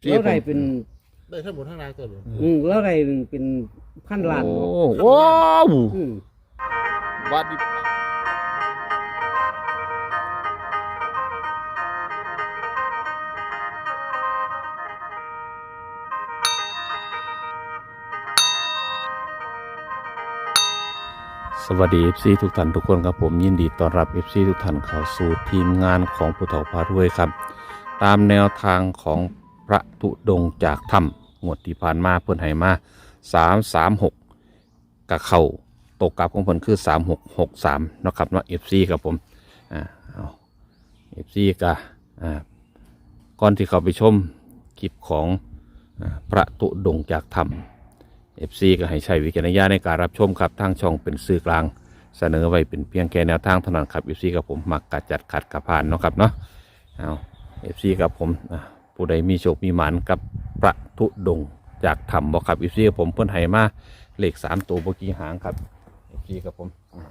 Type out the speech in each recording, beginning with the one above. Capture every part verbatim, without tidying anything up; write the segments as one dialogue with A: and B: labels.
A: แล้วได้เป็น
B: ได้ทั้งหมดทั้งรางตัวเลย
A: อืมแล้วได้เป็นพันล้าน
C: โอ้ว้าว
A: อืม
C: วัดดิสวัสดี เอฟ ซี ทุกท่านทุกคนครับผมยินดีต้อนรับ เอฟ ซี ทุกท่านเข้าสู่ทีมงานของผู้เฒ่าพารวยครับตามแนวทางของพระธุดงค์จากถ้ำงวดที่ผ่านมาเพิ่นให้มาสามสามหกกับเข่าตกกลับของเพิ่นคือสามหกหกสามนะครับเนาะ เอฟ ซี ครับผมอ่าเอา เอฟ ซี ก็อ่าก่อนที่เขาไปชมคลิปของอ่าพระธุดงค์จากถ้ำเอฟซีก็ให้ใช้วิจารณญาณในการรับชมครับทางช่องเป็นสื่อกลางเสนอไว้เป็นเพียงแค่แนวทางเท่านั้นครับเอฟซีกับผมมักกัดจัดขัดกับผ่านเนาะครับเนาะเอาเอฟซีกับผมผู้ใดมีโชคมีหมานกับพระธุดงค์จากถ้ำบอกครับเอฟซีกับผมเพิ่นให้มาเลขสามตัวบกี้หางครับเอฟซีกับผม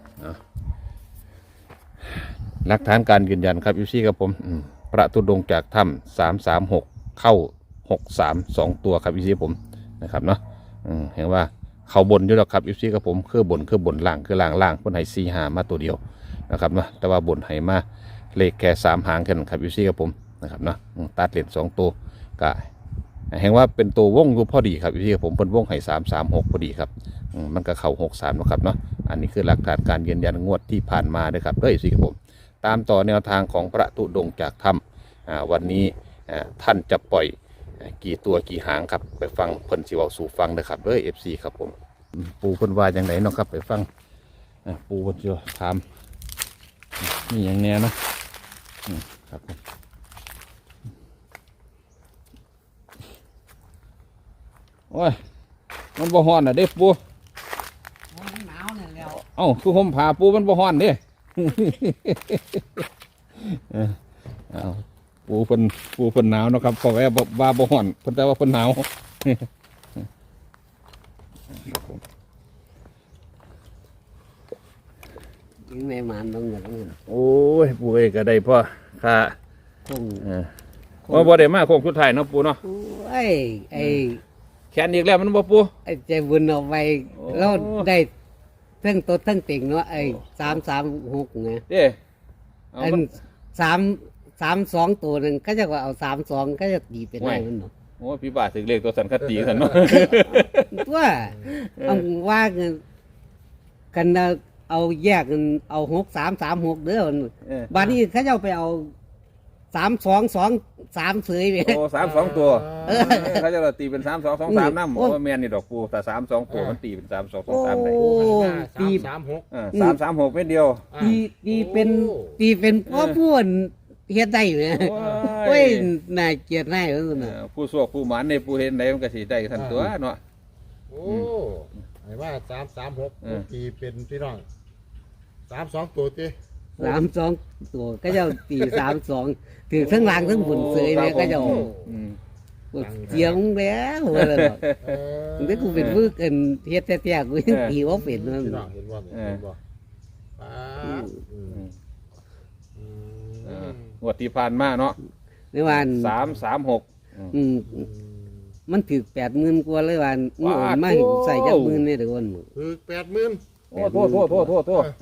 C: หลักฐานการยืนยันครับเอฟซีกับผมพระธุดงค์จากถ้ำสามสามหกเข้าหกสามสองตัวครับเอฟซีผมนะครับเนาะเห็นว่าเขาบนอยู่แล้วครับอีซีกับผมคือบนคือบนล่างคือล่างล่างเพิ่นให้สี่หามาตัวเดียวนะครับเนาะแต่ว่าบนให้มาเลขแค่สามหางแค่นั้นครับอีซีกับผมนะครับเนาะตัดเหรียญสองตัวก็เห็นว่าเป็นตัววงอยู่พอดีครับอีซีกับผมเพิ่นวงให้สามสามหกพอดีครับมันก็เข่าหกสามนะครับเนาะอันนี้คือหลักฐานการยืนยันงวดที่ผ่านมาเลยครับด้วยอีซีกับผมตามต่อแนวทางของพระธุดงค์จากถ้ำวันนี้ท่านจะปล่อยกี่ตัวกี่หางครับไปฟังเพิ่นสิเว้าสู่ฟังนะครับเด้อ เอฟ ซี ครับผมปูเพิ่นว่าจังไดเนาะครับไปฟังปูเพิ่นสิถามมีหยังแน่เนาะครับผมโอ้ยมันบ่ฮ้อนน่ะเด้ปู
A: มันหนาวเนี่ยแล้ว
C: เอ้าคือห่มผ้าปูมันบ่ฮ้อนเด้เอ้าปูเพิ่นปูเพิ่นหนาวเนาะครับเพราะว่าว่าบ่ฮ้อนเพิ่นแต่ว่าเพิ่นหนาว
A: ยังไม่มานต้องเงินต้องเงิน
C: โอ้ยปูเอ้ก็ได้พ่อค่ะ
A: คง
C: เออว่าบ่ได้มาโค้งสุดท้ายเนาะปูเนาะ
A: ไอ้ไอ้
C: แขนอีกแล้วมันบ่ปู
A: ไอ้ใจบุญเอาไปแล้วได้ทั้งตัวทั้งติ่งเนาะไอ้สามสามหกไง
C: เด้
A: อันสามสามสองตัวหนึ่งก็จะว่าเอาสามสองก็จะตีเป็นได้มันเนาะ
C: โอ้พี่บาถึงเลขตัวสันคติสันเนาะ
A: ว่าเอาว่าเงินกันเอาแยกกันเอาหกสามสามหกเด้อบ้านนี้เขาจะไปเอาสามสองสองสามเสยไป
C: โอ้สามสองตัวเขาจะตีเป็นสามสองสองสามน้ำโอ้แมนนี่ดอกปูแต่สามสองตัวมันตีเป็นสามสองสองสามได้
B: ตีสามหก
C: สามสามหกเป็นเดียว
A: ตีตีเป็นตีเป็นพ่อพูดเฮ็ดได้เลยโอ้ยน่าเกลียดน่าเออน่ะ
C: ผู้สวกผู้หมานในผู้เห็นใดมันก็สิได้ทันตัวเนาะ
B: โอ้ไอ้ว่าสามสามหกตีเป็นพี่น้องสามสองตัวตี
A: สามสองตัวก็จะตีสามสองถือทั้งล่างทั้งบนเสยเลยก็จะเจียงแล้วเลยถึงได้กูเป็นมือเกินเฮ็ดแท้ๆกูยังตีว่าเป็นนั่น
B: พี่น้องเห็นว่าเห็นว่า
C: งวดที่ผ่านมาเนาะ
A: ในวัน
C: สามสามหก
A: มันถือแปดหมื่นกว่าเลยวันมันอ่อนมากใส่จักหมื่นเนี่ยเดี๋ยวก่อน
B: ถือแปดหมื่น
C: โอ้โทษโทษโทษโทษโทษ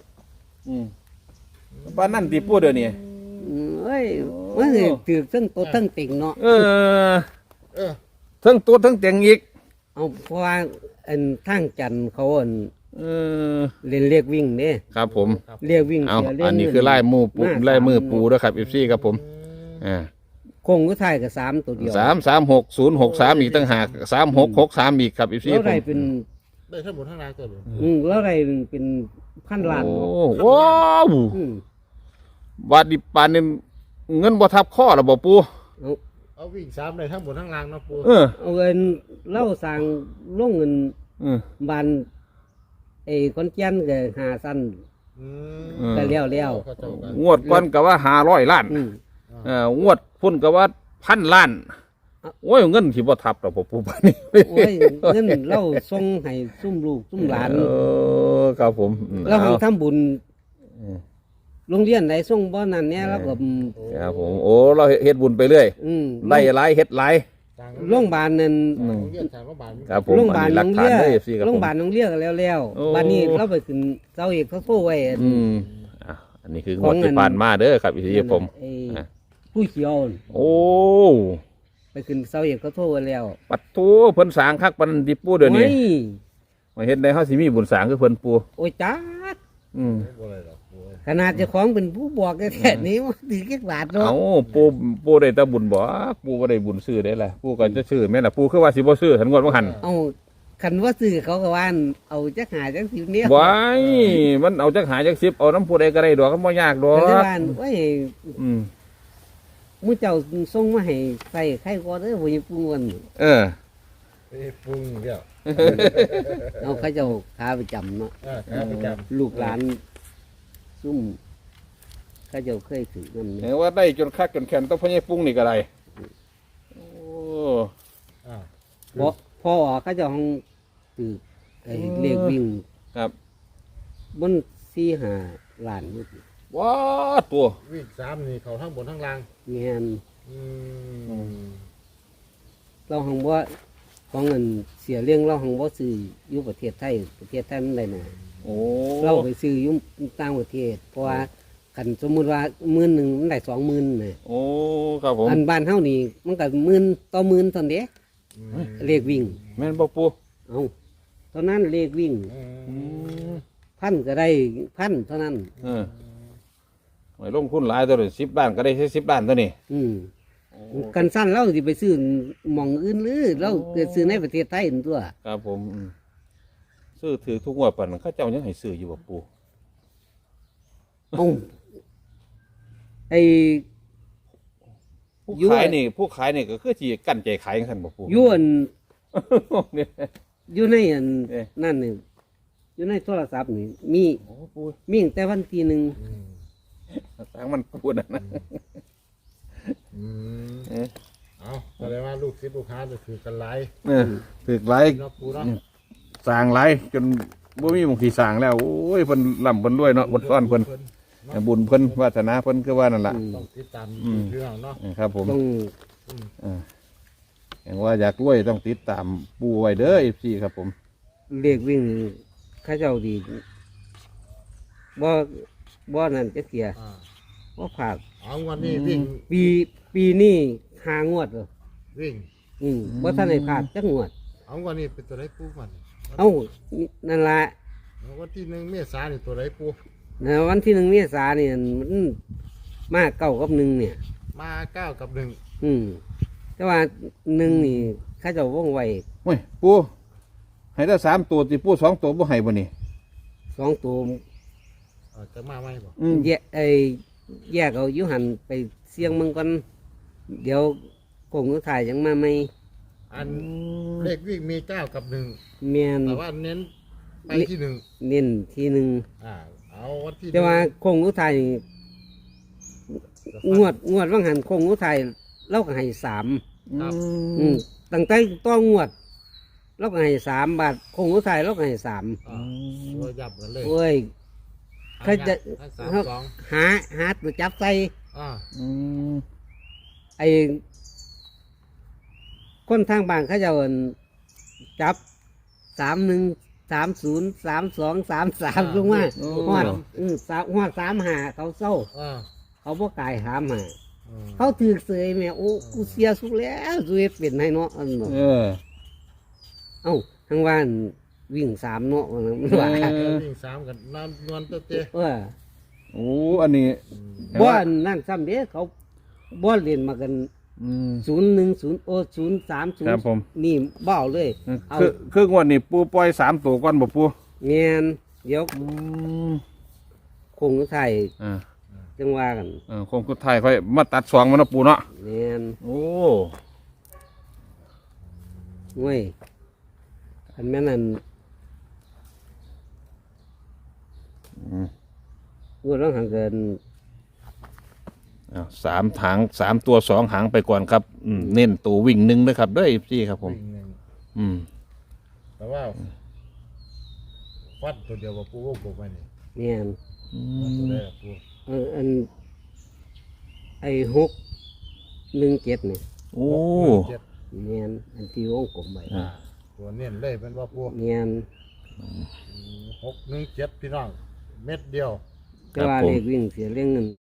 C: บ้านนั่นตีพูดเดี๋ยวนี้
A: เอ้ยมันถือทั้งตัวทั้งติ่งเนาะ
C: เออเออทั้งตัวทั้งติ่งอีก
A: เอาเพราะว่าอันทางจันเขาอันเออเล่นเรียกวิ่งเนี่ย
C: ครับผม
A: เรียกวิ่ง
C: เอาอันนี้คือไล่มือปูไล่มือปูด้วยครับเอฟซีครับผมอ่า
A: คงก็ถ่ายกับสามตัวเดียว
C: สามสามหกศูนย์หกสามอีกตั้งหากสามหกหกสามอีกครับเอฟซี
A: แล้วได้เป็น
B: ได้ทั้งหมดทั้งรางตัวเลย
A: อืมแล้วได้เป็นพันล้าน
C: โอ้ว้าวบาดดิปานนี่เงินบ่ทับข้อหรอบ่ปู
B: เอาวิ่งสามได้ทั้งหมดทั้งรางนะปู
A: เออเอาเงินเล่าสั่งลงเงินบานไอ้คนเจียนก็หาสั้นก็เลี้ยวเลี้ยว
C: งวดก่อนก็ว่าห้าร้อยล้านเอองวดพุ่นก็ว่าพันล้านโอ้ยเงินที่บ่ทับหรอกปูปานนี้
A: โอ้ยเงินเล่าส่งให้ซุ่มลูกซุ่มหลาน
C: เออครับผม
A: แล้วทำทำบุญโรงเรียนไหนส่งบ่นั่นเนี่ยแล้วก็
C: ครับผมโอ้เราเฮ็ดบุญไปเรื่อยไล่หลายเฮ็ดหลาย
B: ต่าง
A: โรงพยาบาลนั่น
C: อืม
B: โรงเรียนทางโรงพยาบาล
C: ครับผม
A: โรงพยาบาล
C: อันนี้หลั
A: น้อก ง
C: ฐาน
A: เลี้ย
C: ได้ เอฟ ซีครับผม
A: โรงพยาบาลน้องเลี้ยก็แล้วแล้ว
C: โอ้
A: บัดนี้เราไปขึ้นเสาเอกเขาโทรไว้
C: อืมอ่ะอันนี้คือง
A: ข
C: ว
A: อ
C: ด
A: ง
C: ที่ผ่านมาเด้อครับเอฟซีผม
A: ไอ้
C: อ่ะ
A: ผู้เขียว
C: โอ้
A: ไปขึ้นเสาเอกเขาโทรไว้แล้ว
C: ปัดทูเพิ่นสร้างคักปันดิปูเดี๋ยวนี้
A: โอ้ย
C: มาเฮ็ดได้เฮาสิมีบุญสร้างคือเพิ่นปู
A: โอ้ยจ้าด
C: อืม
B: บ่ได้หรอกโอ้ย
A: ขนาดเจ้าของเป็นผู้บอกแท้ๆนี้ว่าถือแค่บาทเนาะ
C: เอาปูปูได้แต่บุญบ่ปูบ่ได้บุญซื้อได้ล่ะปูก็จะซื้อแม่นล่ะปูคือว่าสิบ่ซื้อทันงวดบ่หัน
A: เอาคันว่าซื้อเขาก็ว่าเอาจักหาจักสิบเนี่ย
C: ว้ายมันเอาจักหาจักสิบเอาน้ำผู้ใดก็ได้ดอกก็บ่ยากดอ
A: ก็เลย
C: ก
A: ว่าโอ้ย
C: อืม
A: มื้อเจ้าส่งมาให้ใส่ไข่ก่อนเด้อบ่อย่าปรุงมัน
C: เออ
B: ไปปรุงเดียว
A: เอาเขาเจ้าขาประจำเนาะ
B: เออครับประจำ
A: ลูกหลานซุ่มเขาเจ้าเคยถือมัน
C: เห็นว่าได้จนคักจนแขนต้องพ่อใหญ่ปรุงนี่ก็ได้โอ้
B: อ่า
A: พอพอออกเขาเจ้าห้องถือไอ้เลขวิ่ง
C: ครับ
A: บนสี่ห้าล้านอยู่
C: ว้าตัว
B: วิ่งสามนี่เขาทั้งบนทั้งล่าง
A: แม่น
B: อืม
A: เราห้องบ่ของเงินเสียเรื่องเราห้องบ่ซื้ออยู่ประเทศไทยประเทศไทยมันได้น่ะ
C: โอ้
A: เราไปซื้ออยุ่ต่างประเทศ เพราะว่าคันสมมุติว่าหมื่นหนึ่งมันได้สองหมื่นน่ะ
C: โอ้ครับผม
A: อันบ้านเฮานี่มันก็หมื่นต่อหมื่นเท่านั้นเด้
B: อืม
A: เลขวิ่ง
C: แม่นบ่ปู
A: เอาเท่านั้นเลขวิ่ง
B: อืม
A: พันก็ได้พันเท่านั้น
C: เออไว้ลงทุนหลายตัวเลยสิบล้านก็ได้แค่สิบล้านตัวนี้
A: อืมกันสั้นเราสิไปซื้อหม่องอื่นหรือเราเกิดซื้อในประเทศไทยนั่นตัว
C: ครับผมอืมซื้อถือทุกงวดปานนั้นเขาเจ้ายังให้ซื้ออยู่บ่ปู
A: เอาไอ้
C: ผู้
A: ยั่ว
C: ขายนี่ผู้ขายนี่ก็คือสิกั้นใจขายจังซั่นบ่ปู
A: อยวน
C: เนี่ย
A: อยู่ในอัน
C: เอ๊ะ
A: นั่นนี่อยู่ในโทรศัพท์นี่มี
C: โอ้ปู
A: มีตั้งแต่วันที่หนึ่ง
B: อืม
C: สร้างมันปูนั่นนะ
B: อืม
C: เอ๊ะ
B: เอาแสดงว่าลูกศิษย์ลูกค้าจะถือกันหลาย
C: เออถือหลาย
B: เนาะปูเนาะ
C: สร้างหลายจนบ่มีบางทีสร้างแล้วโอ้ยเพิ่นล่ำเพิ่นรวยเนาะบนซ่อนเพิ่นบุญเพิ่นวาสนาเพิ่นคือว่านั่นล่ะ
B: ต้องติดตาม
C: อืม
B: เรื่องเนาะ
C: ครับผม
A: ต้อง
C: เอออย่างว่าอยากรวยต้องติดตามปูไว้เด้อ เอฟ ซี ครับผม
A: เรียกวิ่งเข้าเจ้าดีบ่บ่นั่นจะเกีย
B: อ่า
A: บ่ผาก
B: เอาวันนี้วิ่ง
A: ปีปีนี้หางวดเลย
B: วิ่ง
A: อืมบ่ทันได้ผากจักงวด
B: เอาวันนี้เป็นตัวไรปูมัน
A: เอ้านั่นละ
B: เอาวันที่หนึ่งเมษายนนี่ตัวไรปู
A: นะวันที่หนึ่งเมษาเนี่ยมันมาเก้ากับหนึ่งเนี่ย
B: มาเก้ากับหนึ่ง
A: อืมแต่ว่าหนึ่งนี่เข้าเจ้าว่องไว
C: โอ้ย ปูให้ได้สามตัวติปูสองตัวบ่ให้บ่นี่
A: สองตัว
B: เอ่อจะมาไหมบ่
C: อืม
A: แยกไอ้แยกเอาอยุหันไปเสี่ยงมึงก่อนเดี๋ยวคงจะถ่ายยังมาไหม
B: อันเลขวิ่งมีเก้ากับหนึ่ง
A: เมียน
B: แต่ว่าเน้นไปที่หนึ่ง
A: เน้นทีหนึ่ง
B: อ่าเอาวันที่
A: แต่ว่าคงอุทัยงวดงวดว่างหันคงอุทัยเราก็ให้สาม
B: ครับ
A: อืมตั้งแต่ต้องงวดเราก็ให้สามบาทคงอุทัยเราก็ให้สาม
B: อ่าตัวยับกันเลย
A: โอ้ย เขาจะ
B: ให้สามสอง
A: หาหาตัวจับใส่
B: อ่า
C: อืม
A: ไอ้คนทางบ้านเขาจะเอาจับสามหนึ่งสามศูนย์สามสองสามสามลงมาหอดอืมสามหอดสามหาเขาเศร้า
B: อ่า
A: เขาบ่กายหามหา
B: อืม
A: เขาถือเสยแม่โอ้กูเสียสุดแล้วสุดเป็นให้เนาะอันเนาะ
C: เออ
A: เอ้าทางบ้านวิ่งสามเนาะว่างั้นว่า
C: เออ
B: วิ่งสามกันนอนนวลเต้เต้
A: เออ
C: โอ้อันนี้
A: บ่อนนั่นซ้ำเด้เขาบ่เรียนมากัน
C: อืม
A: ศูนย์หนึ่งศูนย์โอศูนย์สามศูน
C: ครั
A: ย์
C: บผม
A: นี่เบ้าเลย เอา
C: คือคืองวดนี้ปูปล่อยสามตัวก่อนบ่ปู
A: เมียนเดี๋ยว
C: อืม
A: คงไทย
C: อ่า
A: จังว่ากัน
C: เออคงสุดท้ายค่อยมาตัดสองมันเนาะปูเนาะ
A: เมียน
C: โอ้
A: ง่วยอันแม่นั่น
C: อืม
A: งวดร้องหังเกิน
C: อ้าวสามหางสามตัวสองหางไปก่อนครับอืมเน้นตัววิ่งหนึ่งนะครับด้วยพี่ครับผม
B: วิ่งหนึ่ง
C: อืม
B: แต่ว่าฟัดตัวเดียวว่าปูวงกบไปนี่
A: เมียน
C: อื
B: ฟัดตัว
C: ม
B: ได้ละปู
A: เอออันไอ้หกหนึ่งเจ็ดเนี่ย
C: โอ้
B: เจ็ด
A: เนียนอันที่วงกลมไป
B: อ่าตัวเน้นเลยเป็นว่าพวก
A: เนียน
B: หกหนึ่งเจ็ดพี่น้อง เม็ดเดียว
A: แต่ว่า
C: ครับผม
A: เลขวิ่งเสียเรื่องเงิน